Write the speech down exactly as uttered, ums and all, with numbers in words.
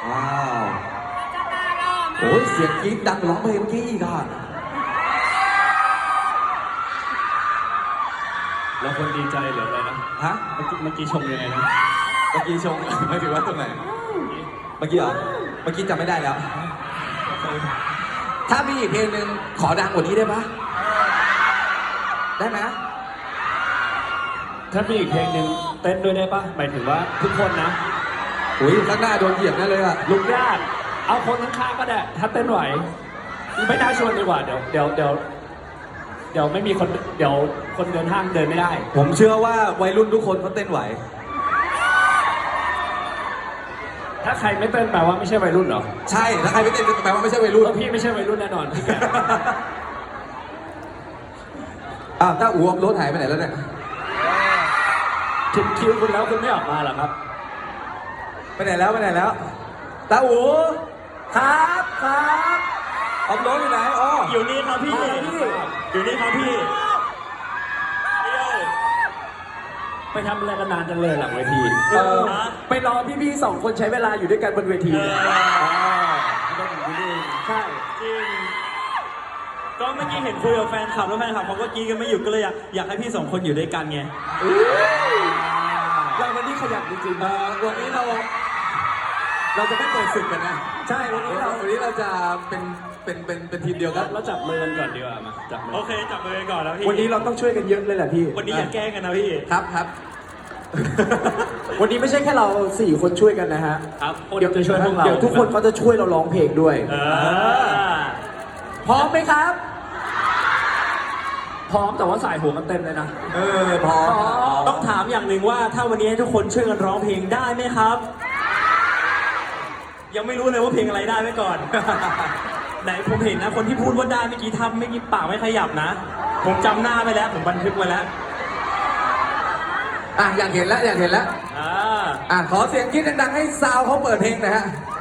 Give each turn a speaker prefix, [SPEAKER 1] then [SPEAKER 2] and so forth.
[SPEAKER 1] ว้าวโอ้ยเสียงกรี๊ดดังร้องเพลงเมื่อกี้อีกอ่ะ
[SPEAKER 2] แล้วคนดีใจหรืออะไรนะ
[SPEAKER 1] ฮะ
[SPEAKER 2] เมื่อกี้เมื่อกี้ชมยังไงนะ
[SPEAKER 1] เมื่อกี้ชงไม่ถือว่าตรงไหนเมื่อกี้เหรอเมื่อกี้จำไม่ได้แล้ว ถ้ามีอีกเพลงหนึ่งขอดังกว่านี้ได้ปะได้ไหม
[SPEAKER 2] ถ้ามีอีกเพลงหนึ่งเต้นด้วยได้ปะหมายถึงว่าทุกคนนะ
[SPEAKER 1] อุ้ยข้างหน้าโดนเหยียบแน่เลยอ่ะ
[SPEAKER 2] ลุกยากเอาคนข้างๆก็ได้ถ้าเต้นไหวไม่น่าชวนดีกว่าเดี๋ยวเดี๋ยวเดี๋ยวเดี๋ยวไม่มีคนเดี๋ยวคนเดินห้างเดินไม่ได้
[SPEAKER 1] ผมเชื่อว่าวัยรุ่นทุกคนเขาเต้นไหว
[SPEAKER 2] ถ้าใครไม่เต้นแปลว่าไม่ใช่วัยรุ่นเหรอ
[SPEAKER 1] ใช่ถ้าใครไม่เต้นแปลว่าไม่ใช่วัยรุ่น
[SPEAKER 2] เออพี่ไม่ใช่วัยรุ่นแน่นอนพี่แก
[SPEAKER 1] อ้าวถ้าอ้วมรถหายไปไหนแล้วเนี่ย
[SPEAKER 2] ถึงคิวคุณแล้วคุณไม่ออกมาเหรอครับ
[SPEAKER 1] ไปไหนแล้วไปไหนแล้วตาอูครับครับออมรถอยู่ไหนอ๋อ
[SPEAKER 3] อยู่นี่ครับพี่
[SPEAKER 1] มาแล้วพี่
[SPEAKER 3] อยู่นี่ครับพี่
[SPEAKER 2] ไปทำอะไรกันนานจังเลยหลังเวที
[SPEAKER 1] เออ
[SPEAKER 2] ไปรอพี่ๆสองคนใช้เวลาอยู่ด้วยกันบนเวที
[SPEAKER 3] เออ
[SPEAKER 2] ใช่
[SPEAKER 3] จริง ก็เมื่อกี้เห็นคุยกับแฟนคลับแล้วแฟนคลับเขาก็กรี๊ดกันไม่หยุดก็เลยอยากอยากให้พี่สองคนอยู่ด้วยกันไง
[SPEAKER 2] เราวันนี้ขยันจริง
[SPEAKER 1] เออวันนี้เรา เราจะไม่เปิดศึกกันนะ
[SPEAKER 2] ๆใช่วันนี้เรา
[SPEAKER 1] วันนี้เราจะเป็นเป็นเป็นเป็นทีมเดียวกัน
[SPEAKER 2] เราจับมือกันก่อนดีกว่ามาจับมือ
[SPEAKER 3] โอเคจับมือกันก่อนนะพี่
[SPEAKER 2] วันนี้เราต้องช่วยกันเยอะเลยแหละพี่
[SPEAKER 3] วันนี้อย่าแกล้งกันนะพี่
[SPEAKER 1] ครับครับ
[SPEAKER 4] วันนี้ไม่ใช่แค่เราสี่คนช่วยกันนะฮะ
[SPEAKER 2] ครับเดี๋ยวจะช่วยพวกเรา
[SPEAKER 4] เดี๋ยวทุกคนเขาจะช่วยเราร้องเพลงด้วย
[SPEAKER 3] เออ
[SPEAKER 4] พร้อมไหมครับ
[SPEAKER 2] พร้อมแต่ว่าสายหัวกันเต็มเลยนะ
[SPEAKER 1] เออพร้อม
[SPEAKER 3] ต้องถามอย่างหนึ่งว่าถ้าวันนี้ให้ทุกคนช่วยกันร้องเพลงได้ไหมครับ ยังไม่รู้เลยว่าเพลงอะไรได้ไว้ก่อน ไหนผมเห็นนะคนที่พูดว่าได้เมื่อกี้ทำเมื่อกี้ปากไม่ขยับนะ ผมจำหน้าไปแล้วผมบันทึกไว้แล้ว
[SPEAKER 1] อ่ะอยากเห็นแล้วอยากเห็นแล้ว
[SPEAKER 3] อ่า
[SPEAKER 1] อ่ะขอเสียงกรี๊ดดังๆให้ซาวเขาเปิดเพลงหน่อยฮะ